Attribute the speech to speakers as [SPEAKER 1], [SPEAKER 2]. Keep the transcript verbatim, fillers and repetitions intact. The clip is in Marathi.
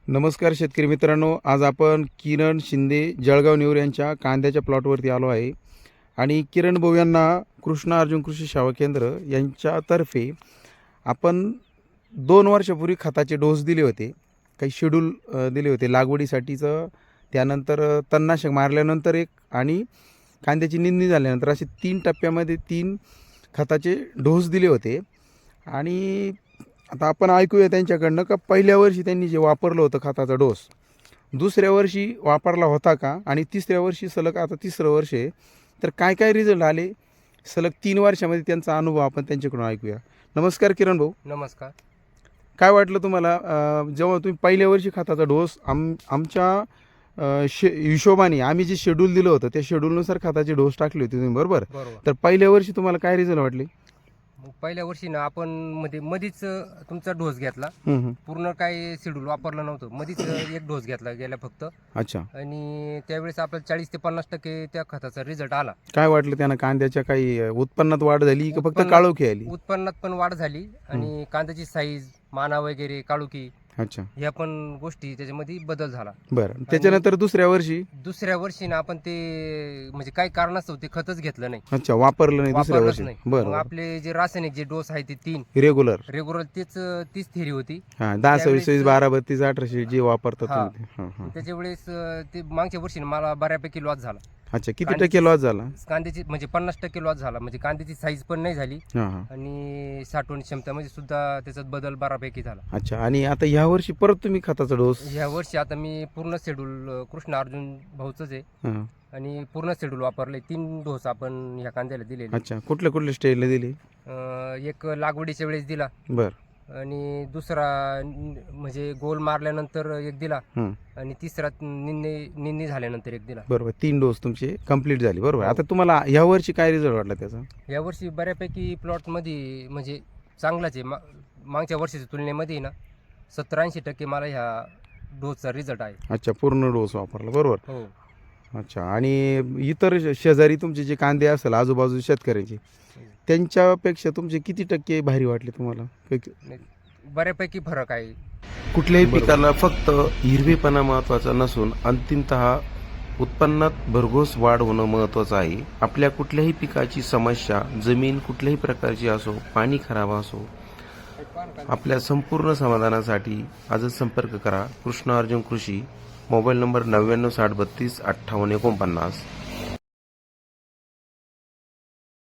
[SPEAKER 1] नमस्कार शेतकरी मित्रांनो, आज आपण किरण शिंदे जळगाव नेवर यांच्या कांद्याच्या प्लॉटवरती आलो आहे आणि किरण भाऊ यांना कृष्ण अर्जुन कृषी सेवा केंद्र यांच्यातर्फे आपण दोन वर्षापूर्वी खताचे डोस दिले होते, काही शेड्यूल दिले होते लागवडीसाठीचं, त्यानंतर तणनाशक मारल्यानंतर एक आणि कांद्याची निंदणी झाल्यानंतर असे तीन टप्प्यामध्ये तीन खताचे डोस दिले होते. आणि आता आपण ऐकूया त्यांच्याकडनं का पहिल्या वर्षी त्यांनी जे वापरलं होतं खताचा डोस दुसऱ्या वर्षी वापरला होता का, आणि तिसऱ्या वर्षी सलग आता तिसरं वर्ष आहे तर काय काय रिझल्ट आले सलग तीन वर्षामध्ये त्यांचा अनुभव आपण त्यांच्याकडून ऐकूया. नमस्कार किरण भाऊ.
[SPEAKER 2] नमस्कार.
[SPEAKER 1] काय वाटलं तुम्हाला जेव्हा तुम्ही पहिल्या वर्षी खताचा डोस आम आमच्या शे हिशोबाने आम्ही जे शेड्यूल दिलं होतं त्या शेड्यूलनुसार खताचे डोस टाकले होते तुम्ही, बरोबर?
[SPEAKER 2] बरोबर.
[SPEAKER 1] तर पहिल्या वर्षी तुम्हाला काय रिझल्ट वाटले?
[SPEAKER 2] पहिल्या वर्षी ना आपण मध्ये मधीच तुमचा डोस घेतला,
[SPEAKER 1] हम्म, हम्म.
[SPEAKER 2] पूर्ण काय शेड्यूल वापरलं नव्हतं, मधीच एक डोस घेतला गेला फक्त.
[SPEAKER 1] अच्छा.
[SPEAKER 2] आणि त्यावेळेस आपल्याला चाळीस ते पन्नास टक्के त्या खताचा रिझल्ट आला.
[SPEAKER 1] काय वाटलं त्यांना? कांद्याच्या काही उत्पन्नात वाढ झाली का फक्त
[SPEAKER 2] उत्पन्नात-
[SPEAKER 1] काळोखी आली?
[SPEAKER 2] उत्पन्नात पण वाढ झाली आणि कांद्याची साईज, माना वगैरे, काळुकी
[SPEAKER 1] अच्छा.
[SPEAKER 2] ह्या पण गोष्टी त्याच्यामध्ये बदल झाला.
[SPEAKER 1] बरं, त्याच्यानंतर दुसऱ्या वर्षी
[SPEAKER 2] दुसऱ्या वर्षी ना आपण ते म्हणजे काही कारणास्तव ते खतच घेतलं नाही,
[SPEAKER 1] अच्छा वापरलं नाही दुसऱ्या
[SPEAKER 2] वापरलंच
[SPEAKER 1] वर्षी.
[SPEAKER 2] नाही.
[SPEAKER 1] बरं
[SPEAKER 2] मग
[SPEAKER 1] बरं.
[SPEAKER 2] आपले जे रासायनिक जे डोस आहे ते तीन
[SPEAKER 1] रेग्युलर
[SPEAKER 2] रेग्युलर तेच तीच थेरी होती.
[SPEAKER 1] हा दहा
[SPEAKER 2] त्यावेळेस-
[SPEAKER 1] सव्वीस बारा बत्तीस अठराशे जे वापरतात
[SPEAKER 2] हा.
[SPEAKER 1] तुम्ही ते. हा, हा.
[SPEAKER 2] त्याच्या वेळेस अं, ते मागच्या वर्षी मला बऱ्यापैकी लॉस झाला.
[SPEAKER 1] अच्छा, किती
[SPEAKER 2] कांद्याची-
[SPEAKER 1] टक्के लॉस झाला?
[SPEAKER 2] कांद्याची म्हणजे पन्नास टक्के लॉस झाला, म्हणजे कांद्याची साईज पण नाही झाली
[SPEAKER 1] हा हा.
[SPEAKER 2] आणि साठवण क्षमतेमध्ये सुद्धा त्याच्यात बदल बऱ्यापैकी झाला.
[SPEAKER 1] अच्छा, आणि आता ह्या वर्षी परत तुम्ही खताचा डोस?
[SPEAKER 2] ह्या वर्षी आता मी पूर्ण शेड्यूल कृष्ण अर्जुन भाऊचंच आहे
[SPEAKER 1] हा.
[SPEAKER 2] आणि पूर्ण शेड्यूल वापरले. तीन डोस आपण ह्या कांद्याला दिलेले.
[SPEAKER 1] अच्छा, कुठल्या कुठल्या स्टेजला दिली?
[SPEAKER 2] अं, एक लागवडीच्या वेळेस दिला
[SPEAKER 1] बर.
[SPEAKER 2] आणि दुसरा न- म्हणजे गोल मारल्यानंतर एक दिला
[SPEAKER 1] हं.
[SPEAKER 2] आणि तिसरा निन्ने निन्नी झाल्यानंतर एक दिला.
[SPEAKER 1] बरोबर, तीन डोस तुमचे कंप्लीट झाले, बरोबर.
[SPEAKER 2] हो.
[SPEAKER 1] आता तुम्हाला ह्या वर्षी काय रिझल्ट वाटला त्याचा?
[SPEAKER 2] यावर्षी बऱ्यापैकी प्लॉटमध्ये म्हणजे चांगलाच आहे. मा मागच्या वर्षीच्या तुलनेमध्ये ना सत्तर ऐंशी टक्के मला ह्या डोसचा रिझल्ट आहे.
[SPEAKER 1] अच्छा, पूर्ण डोस वापरला, बरोबर.
[SPEAKER 2] हो.
[SPEAKER 1] अच्छा, आणि इतर शेजारी तुमचे जे कांदे असेल आजूबाजू शेतकऱ्यांचे त्यांच्यापेक्षा तुमचे किती टक्के भारी वाटले तुम्हाला?
[SPEAKER 2] नाही, बऱ्यापैकी फरक आहे.
[SPEAKER 3] कुठल्याही
[SPEAKER 1] बरोबर.
[SPEAKER 3] पिकाला फक्त हिरवेपणा महत्त्वाचा नसून अंतिमतः उत्पन्नात भरघोस वाढ होणं महत्त्वाचं आहे. आपल्या कुठल्याही पिकाची समस्या जमीन कुठल्याही प्रकारची असो, पाणी खराब असो, आपल्या संपूर्ण समाधानासाठी आजच संपर्क करा कृष्ण अर्जुन कृषी. मोबाईल नंबर नव्याण्णव साठ बत्तीस अठ्ठावन्न एकोणपन्नास.